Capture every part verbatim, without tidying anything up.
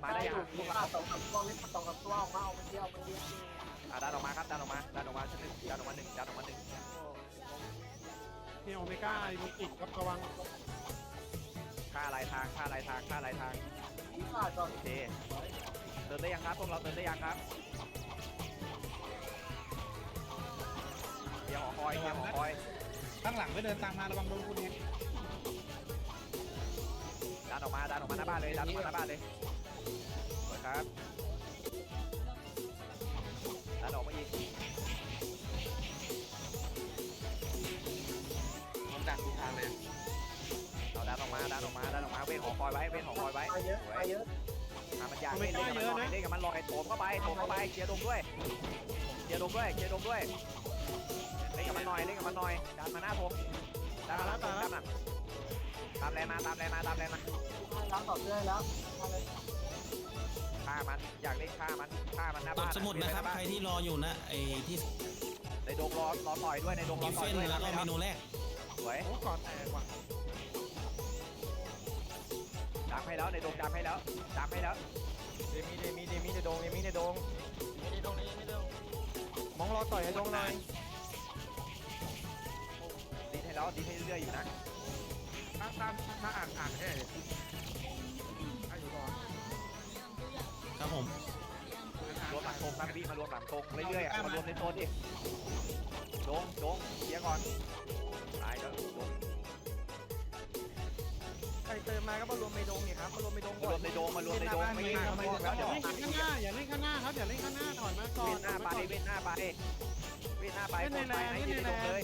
มาได้ยังพวกเราสองสามตัวนี่สองสามตัวออกมาออกมาเที่ยวมาเที่ยวอ่ะดันออกมาครับดันออกมาดันออกมาชั้นหนึ่งดันออกมาหนึ่งดันออกมาหนึ่งนี่โอเมก้ามีอีกครับระวังค่าลายทางค่าลายทางค่าลายทางที่ขาดก่อนโอเคเติมได้ยังครับพวกเราเติมได้ยังครับเดี๋ยวหอคอยเดี๋ยวหอคอยข้างหลังไม่เดินตามมาระวังโดนคุณเองดันออกมาดันออกมาหน้าบ้านเลยดันออกมาหน้าบ้านเลยสวยครับดันออกมาอีกมันดักทุกทางเลยเราดันออกมาดันออกมาดันออกมาเว้นหอคอยไว้เว้นหอคอยไว้ไปเยอะไปเยอะอ่ะมันอยากเล่นเล่นกับมันลอยเล่นกับมันลอยโถมเข้าไปโถมเข้าไปเคลียร์ดงด้วยเคลียร์ดงด้วยเคลียร์ดงด้วยเล่นกับมันหน่อยเล่นกับมันหน่อยดันมาหน้าผมดันมาหน้าผมดันมาตามแรงมาตามแรงมาตามแรงมารับต่อเนื่องแล้วมาเลยฆ่ามันอยากเล่นฆ่ามันฆ่ามันหน้ากดบ้านสมุดนะครับใครที่รออยู่นะไอ้ที่ในดงรอรอต่อยด้วยในดงรกิอฟต่เฟอยนด้วยแล้วก็เมนูแรกสวยโอ้ก่อนแตกว่ะดำให้แล้วในดงดำให้แล้วดำให้แล้วเดมีเดมีเดมีในดงเดมีในดงไม่ได้ตรงนี้ไม่ได้มองรอต่อยในดงหน่อยดีให้แล้วดีให้เรื่อยๆอยู่นะถ้าตามถ้าอ่านอ่านแค่เลยถ้าอยู่ก่อนครับผมรวมหลังธงครับพี่มารวมหลังธงเรื่อยๆอ่ะมารวมในโซนดิดงดงเคลียร์ก่อนตายแล้วดงใครเติมมาก็มารวมในดงเนี่ยครับมารวมในดงมารวมในดงมารวมในดงไม่งั้นทำไมแล้วอเดี๋ยย่าว เล่นข้างหน้าอย่าเล่นข้างหน้าครับอย่าเล่นข้างหน้าถอยมาก่อเวน ทหน้าไปเวนหน้าไปเวนหน้าไปเล่นในแลนไหนเล่นยืนในในดแลงเลยน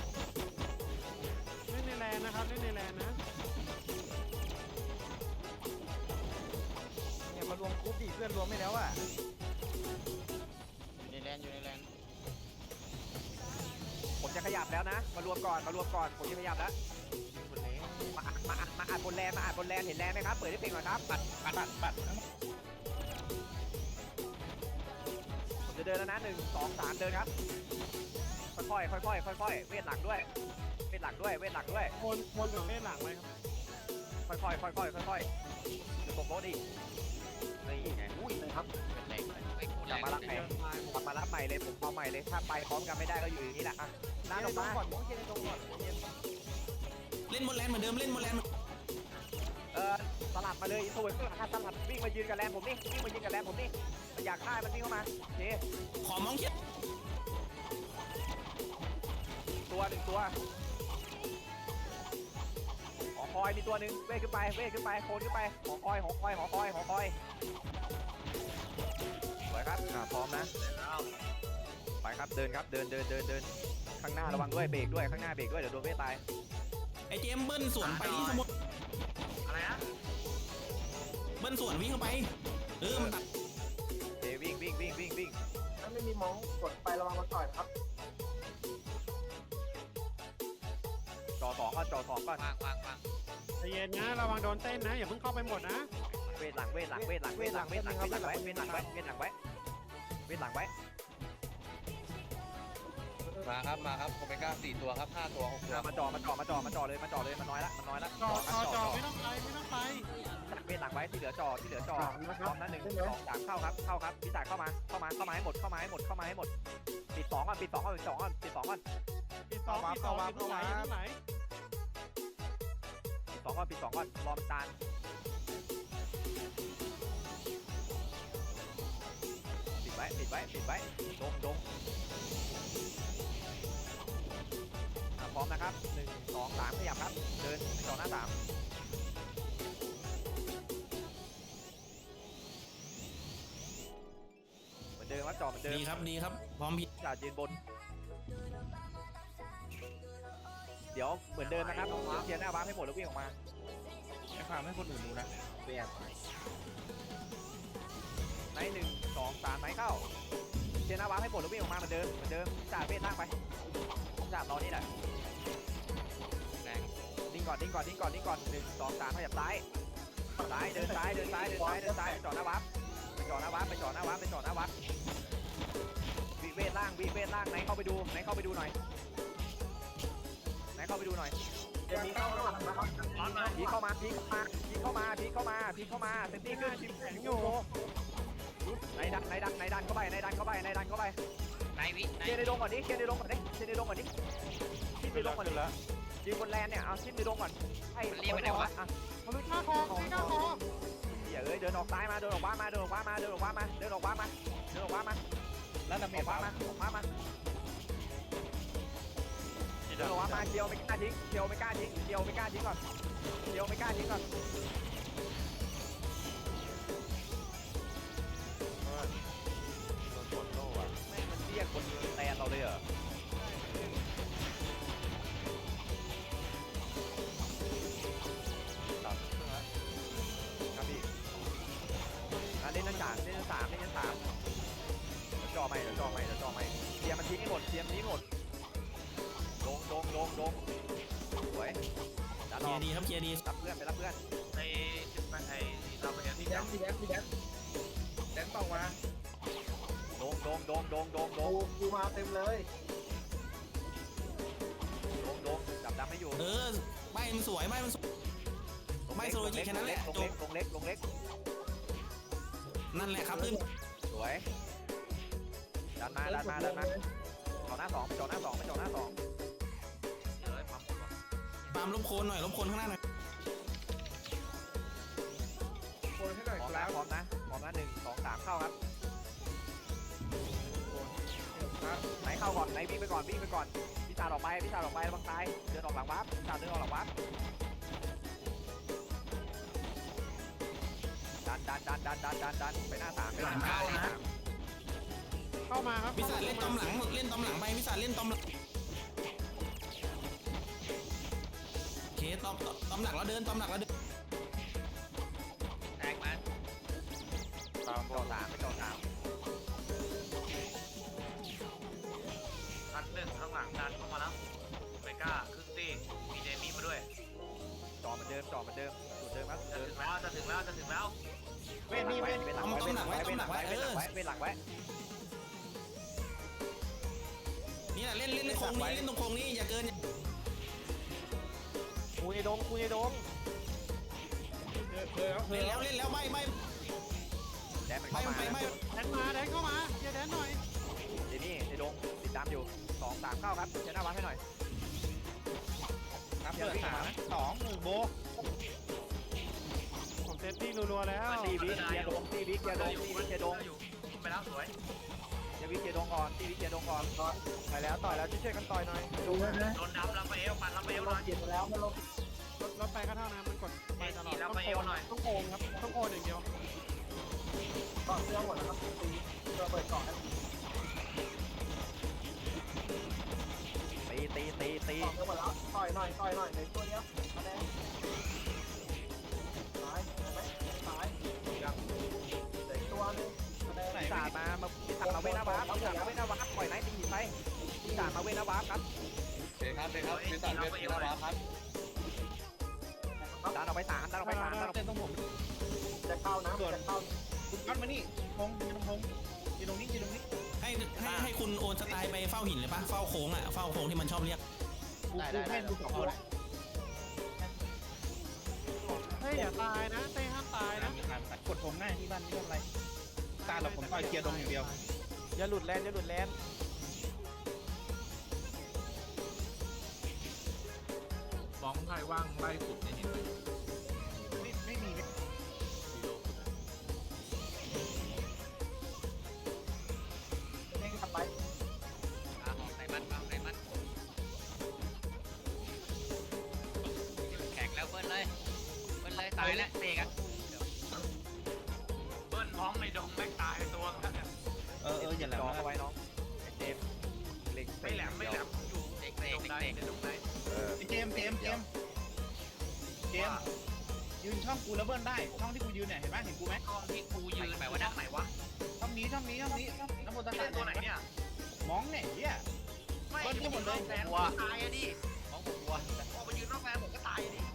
เล่นในแลนนะครับเล่นในแลนนะเนี่ยมารวมกรุ๊ปดิเพื่อนรวมไม่แล้วอ่ะอยู่ในแลนอยู่ในแลนผมจะขยับแล้วนะมารวมก่อนมารวมก่อนผมจะขยับแล้วมามามาอัดบนแลนมาอัดบนแลนเห็นแลนไหมครับเปิดให้เพลงหน่อยครับปัดปัดปัดปัดผมจะเดินแล้วนะหนึ่งสองสามเดินครับค่อยๆค่อยๆค่อยๆเวทหลังด้วยเวทหลังด้วยเวทหลังด้วยคนคนของเล่นหลังไว้ครับค่อยๆค่อยๆค่อยๆจะตกรถอีกนี่ไงอุ้ยนะครับเป็นแรงไอ้กูกแรลับงมารับใหม่กลับมารับใหม่เลยผมเอาใหม่เลยถ้าไปพร้อมกันไม่ได้ก็อยู่อย่างนี้แหละอ่ะน้าเย็นอในอกดงมาก่อนมองเย็นในดงก่อนเย็นเล่นบนแลนเหมือนเดิมเล่นบนแลนเออสลับมาเลยสวยเพื่อนสลับวิ่งมายืนกับแลนผมนี่วิ่งมายืนกับแลนผมนี่มันอยากฆ่ามันวิ่งเข้ามาโอเคขอมองเขียนตัวหนึ่งตัวหอคอยมีตัวหนึ่งเวทขึ้นไปเวทขึ้นไปโคนขึ้นไปหอคอยหอคอยหอคอยหอคอยสวยครับอ่าพร้อมนะไปครับเดินครับเดินเดินเดินเดินข้างหน้าระวังด้วยเบรกด้วยข้างหน้าเบรกด้วยเดี๋ยวโดนเวทตายไอ้เจมเบิ้ลสวนไปที่สมุดอะไรนะเบิ้ลสวนวิ่งเข้าไปเออมันตัดเอวิ่งวิ่งวิ่งวิ่งวิ่งถ้าไม่มีมองกดไประวังมันต่อยครับจ่อสองก่อนจ่อสองก่อนวางวางวางใจเย็นนะระวังโดนเต้นนะอย่าเพิ่งเข้าไปหมดนะเวทหลังเวทหลังเวทหลังเวทหลังเวทหลังเวทหลังไว้เวทหลังไว้เวทหลังไว้เวทหลังไว้มาครับมาครับโอเมก้าสี่ตัวครับห้าตัวหกตัวมาจ่อมาจ่อมาจ่อมาจ่อเลยมาจ่อเลยมันน้อยละมันน้อยละจอจอจอไม่ต้องไปไม่ต้องไปเวทหลังไว้ที่เหลือจ่อที่เหลือจ่อพร้อมนะหนึ่งสองสามเข้าครับเข้าครับพี่จ่ายเข้ามาเข้ามาเข้ามาให้หมดเข้ามาให้หมดเข้ามาให้หมดปิดสองก่อนปิดสองก่อนปิดสองก่อนปิดสองก่อนปีสองปีสองปีไหนปีไหนปิดสองก่อนปิดสองก่อนรอมันตานปิดไว้ปิดไว้ปิดไว้ดงดงพร้อมนะครับหนึ่งสองสามขยับครับเดินต่อหน้าสามเหมือนเดิมว่าจ่อเหมือนเดิมดีครับดีครับพร้อมพี่จ่ายืนบนเดี๋ยวเหมือนเดิมนะครับเคลียร์หน้าบ้านให้หมดแล้ววิ่งออกมาไม่พาให้คนอื่นดูนะเบียดในหนึ่งสองสามไหนเข้าเคลียร์หน้าบ้านให้หมดแล้ววิ่งออกมาเหมือนเดิมเหมือนเดิมจ่าเวทล่างไปจ่ารอนี่แหละแรงดิ้งก่อนดิ้งก่อนดิ้งก่อนดิ้งก่อนหนึ่งสองสามขยับซ้ายซ้ายเดินซ้ายเดินซ้ายเดินซ้ายเดินซ้ายไปจ่อหน้าวับไปจ่อหน้าวับไปจ่อหน้าวับไปจ่อหน้าวับวีเวทล่างวีเวทล่างไหนเข้าไปดูไหนเข้าไปดูหน่อยไหนเข้าไปดูหน่อยเดี๋ยวมีเข้าข้างหลังนะครับพีเข้ามาพีเข้ามาพีเข้ามาพีเข้ามาพีเข้ามาเซนตี้ขึ้นชิมแข็งอยู่ในดันในดันในดันเข้าไปในดันเข้าไปในดันเข้าไปไหนวิไหนเคลียร์ในดงก่อนดิเคลียร์ในดงก่อนดิเคลียร์ในดงก่อนดิชิมในดงก่อนดิยืนบนแลนเนี่ยเอาชิมในดงก่อนให้มันเรียกไปไหนวะมันเป็นข้าคอไม่ข้าคออย่าเอ้ยเดินออกซ้ายมาเดินออกขวามาเดินออกขวามาเดินออกขวามาเดินออกขวามาเดินออกขวามาแล้วดาเมออจกขวามาออกขวามาเดินออกขวามาเคียวไม่กล้าทิ้งเคียวไม่กล้าทิ้งเคียวไม่กล้าทิ้งก่อนเคียวไม่กล้าทิ้งก่อน แม่งมันเรียกคนแทนเราเลยเหรอครับพี่อ่ะเล่นชั้นสามเล่นชั้นสามเล่นชั้นสามเดี๋ยวจ่อใหม่เดี๋ยวจ่อใหม่เดี๋ยวจ่อใหม่เทียมมันทิ้งให้หมดเทียมทิ้งหมดลงลงลงลงสวยดันเคอลีอย กร์ดีครับเคลียร์ดีรับเพื่อนไปรับเพื่อนในจุดไปไอ้เราไปเรียนมีที่แดแดนนมีแดนมีแดนแดนเปล่าวะลงลงลงลงลงลกูงกูมาเต็มเลยลงลงจับดำให้อยู่เออใบมันสวยใบมันสวย ไม่โซโลจิแค่นั้นแหละลงเล็กลงเล็กลงเล็กนั่นแหละครับขึ้นสวยดันมาดันมาดันมาจ่อหน้าสองไปจ่อหน้าสองไปจ่อหน้าสองเดี๋ยวไอ้ปั๊มหมดวะตามลบโคนหน่อยลบโคนข้างหน้าหน่อยโอนให้หน่อยพร้อมคนะรับพร้อมนะพร้อมนะหนึ่งสองสามเข้าครับครับไหนเข้าก่อนไหนวิ่งไปก่อนวิ่งไปก่อนพี่ตาออกไปพี่ตาออกไประวังตายเดินออกหลังวับพี่ตาเดินออกหลังวับดันดันดันดันดันดันดันไปหน้าสามไปหน้าสามไปหน้าสามเข้ามาครับวิสาเล่นตอมหลังเล่นตอมหลังไปวิสาเล่นตอมหลังโอเคตอมตอมหลักแล้วเดินตอมหลักแล้วเดินแตกมาตามจ่อสามไปจ่อสามนัดหนึ่งข้างหลังดันเข้ามาแล้วไม่กล้าครึ่งตีมีเดมี่มาด้วยจ่อเหมือนเดิมจ่อเหมือนเดิมสูตรเดิมครับจะเดิถึนงแล้วจะถึงแล้วจะถึงแล้วเว้นนี่เว้นเว้นหลังไว้เว้นหลังไว้เว้นหลังไว้เว้นหลังไว้เว้นหลังไว้นี่แหละเล่นเล่นในโค้งนี้เล่นตรงโค้งนี้อย่าเกินกูในดงกูในดงเล่นแล้วเล่นแล้วไม่ไม่แดนมันไม่เข้าไปมาไม่แดนมาแดนเข้ามาเดี๋ยวแดนหน่อยเดี๋ยวนี่ในดงติดตามอยู่สองสามเข้าครับเชน่าวัดให้หน่อยนับเปิดสามสองหนึ่งโบผมเซตตี้รัวๆแล้วตีวิเคลียร์ดงตีวิเคลียร์ดงตีวิเคลียร์ดงอยู่ไปแล้วสวยเดี๋ยววิเคลียร์ดงก่อนตีวิเคลียร์ดงก่อนไปแล้วต่อยแล้วช่วยกันต่อยหน่อยดูนะนะโดนดับรับไปเอวปันรับไปเอวลหน่งอยเกียร์แล้วมันลงรถรถไปก็เท่านั้นมันกดไปตลอดนี่แล้วต้องไปเอโอวน หน่อยต้องโอนครับต้องโอนอย่างเดียวก่อนเรื่องหมดแล้วครับตีเพื่อเปิดก่อนนะตีตีตีตีก่อนเรื่องหมดแล้วต่อยหน่อยต่อยหน่อยในตัวเดียวมาแดงตายไหมตายยังเด็กตัวนึงมาแดงพิศาจมามาพิศาจมาเว้นหน้าวาร์ปพิศาจมาเว้นหน้าวาร์ปปล่อยไนท์ตีหินไปพิศาจมาเว้นหน้าวาร์ปครับเด็กครับเด็กครับเป็นตัดเป็นเอวเลยครับดันออกไปสามดันออกไปสามดันออกไปจะเข้านะจะเข้าคุณกัดมานี่พงยืนพงยืนตรงนี้ยืนตรงนี้ให้ให้ให้คุณโอนสไตล์ไปเฝ้าหินเลยปะเฝ้าโค้งอ่ะเฝ้าโค้งที่มันชอบเรียกได้ได้ให้ดูสองคนเฮ้ยอย่าตายนะเต้ห้ามตายนะกดผมง่ายที่บ้านไม่เป็นไรตาเราผมต่อยเกียร์ดงอย่างเดียวอย่าหลุดแลนอย่าหลุดแลนบ้องไทยว่างไล่สุดในหินเลยไม่ไม่มีไม่เด้งกลับไปอ่าออกไหนมันเอาไหนมันแข็งแล้วเบิ้ลเลยเบิ้ลเลยตายแล้วเตะกันเบิ้ลพร้อมในดงแม่งตายตัวกันเออเอออย่าแหลมจอนะเอาไว้น้องเจมเล็งไม่แหลมไม่แหลมอยู่เด็กในเตะดงเด็กไหนเตะในดงไหนเออเจมเจมเจมเจมยืนช่องกูแล้วเบิ้ลได้ช่องที่กูยืนเนี่ยเห็นไหมเห็นกูไหมกองที่กูยืนแบบว่าดังไหนวะช่องนี้ช่องนี้ช่องนี้น้ำมันตะไม่ขาใช่ตัวไหนเนี่ยมองเนี่ยเฮียไม่ที่หมดเลยแสนตายอะดิมองผมวัวพอไปยืนนอกแสนผมก็ตายดิ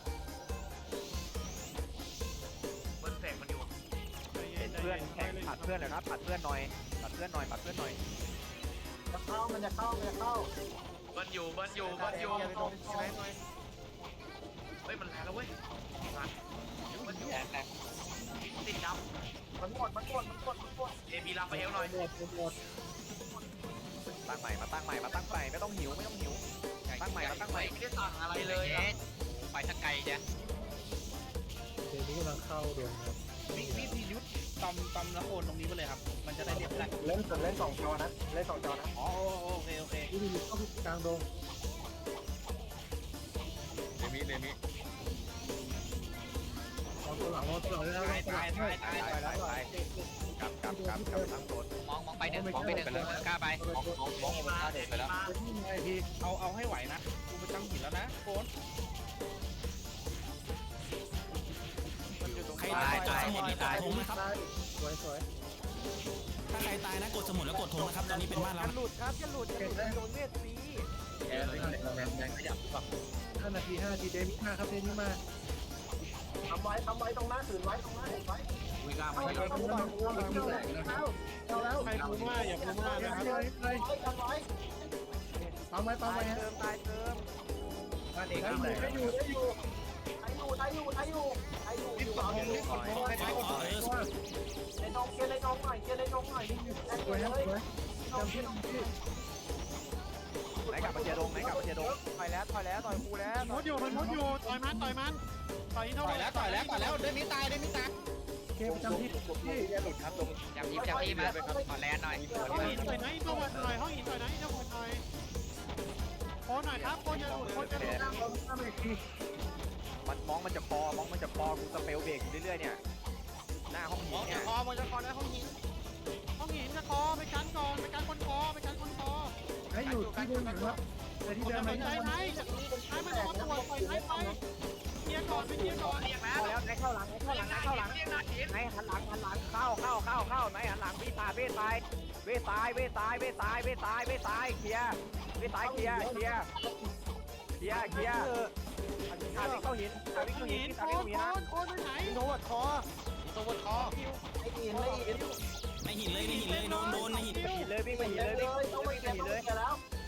เบิ้ลแสงมันอยู่เป็นเพื่อนแข่งผัดเพื่อนเลยครับผัดเพื่อนหน่อยผัดเพื่อนหน่อยผัดเพื่อนหน่อยจะเข้ามันจะเข้ามันจะเข้าเบิ้ลอยู่เบิ้ลอยู่เบิ้ลอยู่อย่าไปโดนใช่ไหมหน่อยฮ้ยมันแรงแล้วเว้ยมันอยู่ติดดมันหมดมันหมดมันหมดมันหมดำเอบีรับไปเอวหน่อยตั้งใหม่มาตั้งใหม่มาตั้งใหม่ไม่ต้องหิวไม่ต้องหิวตั้งใหม่มาตั้งใหม่ไม่ได้สั่งอะไรเลยเย็ดไปสักไกลจ้ะพี่พี่พี่ยุทธตอมตอมแล้วโอนตรงนี้ไปเลยครับ มันจะได้เรียบร้อยเล่นเล่นสองจอนะเล่นสองจอนะอ๋อโอเคโอเค ตายตายตายตายตายตายตายกลับกลับกลับกลับตั้งโซนมองมองไปหนึ่งมองไปหนึ่งกล้าไปเอาเอาให้ไหวนะกูไปตั้งหินแล้วนะโอนใครตายกดสมุดแล้วกดธงนะครับถ้าใครตายนะกดสมุดแล้วกดธงนะครับตอนนี้เป็นบ้านเราหลุดครับจะหลุดจะหลุดโดนเวทฟรีทำไว้ทำไว้ตรงหน้าถือไว้ตรงหน้าเห็นไว้วิ่งกล้าเอามาเอาเอาเอาเอาแล้วใครพูดว่าอย่าพูดว่านะครับทำไว้ทำไว้ปั๊มไว้ปั๊มตายไว้เติมตายเติมบ้านเอกได้อยู่ได้อยู่ได้อยู่ได้อยู่ได้อยู่ได้อยู่ได้อยู่รีบกดธงรีบกดธงใครกดธงเลยนองเกียร์เลยนองหน่อยเกียร์เลยนองหน่อยได้เลยนองเกียร์นองเกียร์ไหนกลับมาเจียดงไหนกลับมาเจียดงต่อยแล้วต่อยแล้วต่อยกูแล้วมุดอยู่มันมุดอยู่ต่อยมันต่อยมันต่อยอินโทรต่อยแล้วต่อยแล้วต่อยแล้วเดินนี้ตายเดินนี้ตายเกมประจำที่ที่หลุดครับลงจับทีมจับทีมมาขอแลนหน่อยห้องหินต่อยนะอินโทรหน่อยห้องหินต่อยนะอินโทรหน่อยโค้หน่อยครับโค้จะหลุดโค้จะหลุดมันมองมันจะคอมองมันจะคอกูสเปลเบรกอยู่เรื่อยๆเนี่ยหน้าห้องหินเนี่ยคอมันจะคอแล้วห้องหินห้องหินจะคอไปกันก่อนไปกันคนคอไปกันคนคอให้อยู่ที่เดิมครับแต่ที่คนเดิมจะไม่สนใจได้ไหนไหนมันจะมาตรวจปล่อยไหนไปเคลียร์ก่อนไปเคลียร์ก่อนเรียกแล้เข้าว แล้วไหนเข้าหลังไหนเข้าหลังไหนเข้าหลังเรียกนาทีไหนหันหลังหันหลังเข้าเข้าเข้าเข้าไหนหันหลังเวตายเวตายเวตายเวตายเวตายเวตายเวตายเคลียร์เวตายเคลียร์เคลียร์เคลียร์เคลียร์อาวิ่งเข้าหินอาวิ่งห้อเข้าง หิหินนอาโควิ่งเข้าหินนะนโคนโคนไปไหนโดดคอตัวบนคอไอ้หินไอ้หินในหินเลยในหินเลยโดนโดนในหินหินเลยวิ่งไปหินเลเลย ยวิ่งต้องไปไปเก็บหินเลเลย ยแล้ว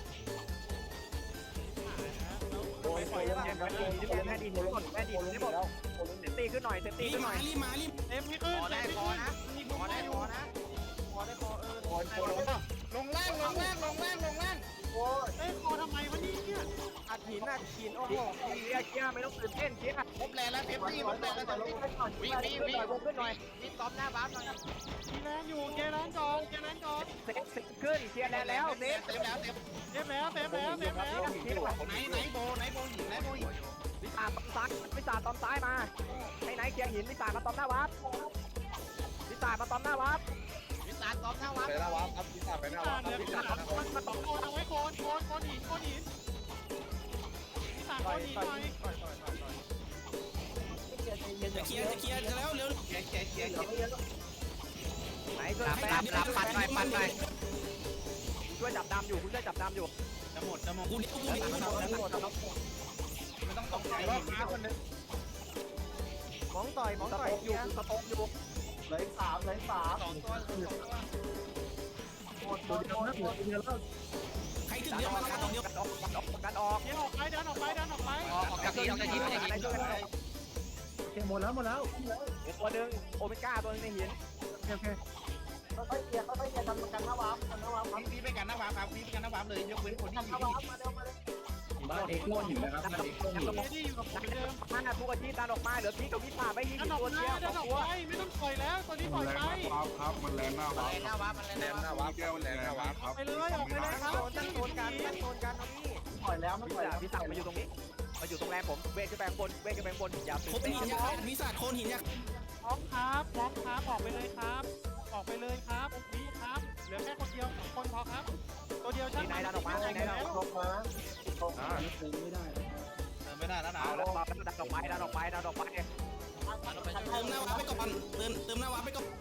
โอ้ยปล่อยแม่ดีแม่ดีหมดแม่ดีหมดแล้วเซฟตี้ขึ้นหน่อยเซฟตี้รีขึ้บนหมาน่อยรีบมารีบเต็มไม่ขึ้นขอเต็ได้มไม่ขอขึ้นนะมีขบุอญได้อขยู่อนะพอได้พอเออลงล่างลงล่างลงล่างลงล่างโอ้ยเอ้ยคอทำไมวะนี่เนี่ยอัดหินอัดหินโอ้โหเคลียร์เคลียร์ไม่ต้องตื่นเต้นเคลียร์พบแลนแล้วเอฟซีพบแลนแล้วแต่วิ่งไปก่อนวิ่งวิ่งวิ่งขึ้นหน่อยวิ่งตอมหน้าบ้านหน่อยมีแรงอยู่เกแลนก่อนเกแลนก่อนเซฟขึ้นเคลียร์แล้วเซฟเต็มแล้วเต็มเต็มแล้วเต็มแล้วเต็มแล้วไหนไหนโบไหนโบหินไหนโบหินวิสาตอมซ้ายวิสาตอมซ้ายมาให้ไหนเคลียร์หินวิสามาตอมหน้าวัดวิสามาตอมหน้าวัดวิสานตอมหน้าวัดอ่าเหลือขนาดมันมาสองโคนเอาไว้โคนโคนโคนหินโคนหินพี่สามโคนหินหน่อยจะเคลียร์จะเคลียร์จะแล้วเร็วเกียร์เกียร์เกียร์เกียร์ไหนช่วยรับรับรับปัดหน่อยปัดหน่อยช่วยจับดำอยู่คุณช่วยจับดำอยู่จะหมดจะหมดกูเดี๋ยวกูเดี๋ยวไม่ต้องตกใจรอบมาคนนึงมองต่อยมองต่อยอยู่สต๊อกอยู่เลยสามเลยสามสองตัวสองตัวหมดหมดหมดหมดเดียวแล้วใครถึงดันเดี๋ยวออมากดันออกดันออกดันออกเดี๋ยวออกไปเดินออกไปเดินออกไปออกจากทีมออกจากทีมออกจากทีมช่วยกันโอเคหมดแล้วหมดแล้วตัวหนึ่งโอเมก้าตัวนึงในหินโอเคโอเคค่อยๆเกียร์ค่อยๆเกียร์กันกันนะวามกันนะวามครับพี่ไปกันนะวาครับพี่ไปกันนะวาเลยยกเว้นคนที่กันอยู่นะที่วามมาเร็วมาเร็วบ้านเอกโคหินนะครับบ้านเอกโคหินเดี๋ยวที่อยู่กับผมเดิมมาทุกอาทิตย์ดันออกมาเหลือพีกับวิสาไม่ยิงเดินออกตัวไปเชียวเดินออกตัวไปไม่ต้องปล่อยแล้วตัวนี้ปล่อยไปครับมันแรงหน้ามันวัเลบนหน้าวัดมันเลนหน้าวัดแก้วแรงหน้าวับครับไปเลยออกไปเลยครับโซนตั้งโซนกันตั้งโซนกันตรงนี้ปล่อยแล้วมันวิปล่อยสาแล้ววิสามาอยู่ตรงนี้มาอยู่ตรงแรมผมเวทจะแบงบนเวทจะแบงบนอย่าตื่ครบนเต้นหินยักษ์วิสาโคนหินยักษ์พร้อมครับพร้อมครับออกไปเลยครับ ออกไปเลยครับนี่ครับเหลือแค่คนเดียวสองคนพอครับ ตัวเดียวช่างนายดันออกมาไหนดันออกลงมาลงมาเติมไม่ได้แล้วนะเอาแล้วดันออกไปดันออกไปดันออกไปเติมหน้าวาไปก่อนเติมเติมหน้าวาไปก่อน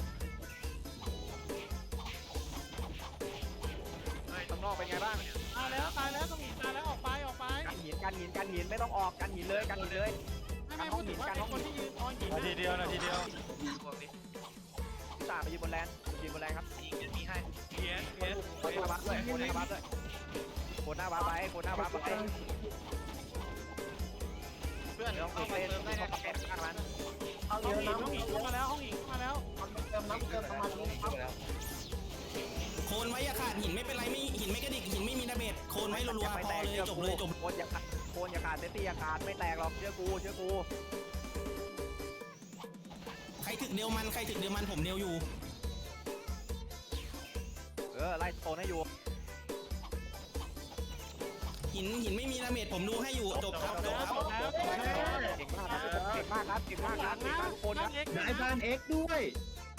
ข้างนอกเป็นไงบ้างตายแล้วตายแล้วต้องหินตายแล้วออกไปออกไปกันหินกันหินกันหินไม่ต้องออกกันหินเลยกันหินเลยไม่ไม่พูดถึงว่าไอ้คนที่ยืนคอยหินนาทีเดียวนาทีเดียวพวกนี้วิสาไปยืนบนแลนยืนบนแลนครับยิงกันมีให้เพียนเพียนโคนหน้าวัดด้วยโคนหน้าวัดด้วยโคนหน้าวัดไปโคนหน้าวัดไปดพื่อนไม่ต้องเข้าตื่นมาเต้นเติมได้ไม่ไงต้องเต้นฆ่ามันเอาห้เยองอะหินน้ำห้องหินเข้ามาแล้วห้องหินเข้ามาแล้วเติมน้ำเติมสมาธิครับโคนไว้อย่าขาดหินไม่เป็นไรไม่หินไม่กระดิกหินไม่มีดาเมจโคนไว้รัวๆพอเลยจบเลยจบโคนอย่าขาดโคนอย่าขาดเซตี้อย่าขาดไม่แตกหรอกเชื่อกูเชื่อกูใครถึกเดียวมันใครถึกเดียวมันผมเดียวอยู่เออไล่โซนให้อยู่หินหินไม่มีดาเมจผมดูให้อยู่จบครับจบครับจบแล้วจบแล้วเก่งมากครับเก่งมากครับเก่งมากครับเก่งมากคนนั่นะงเอ็กซ์ไอ้บ้านเอ็กด้วย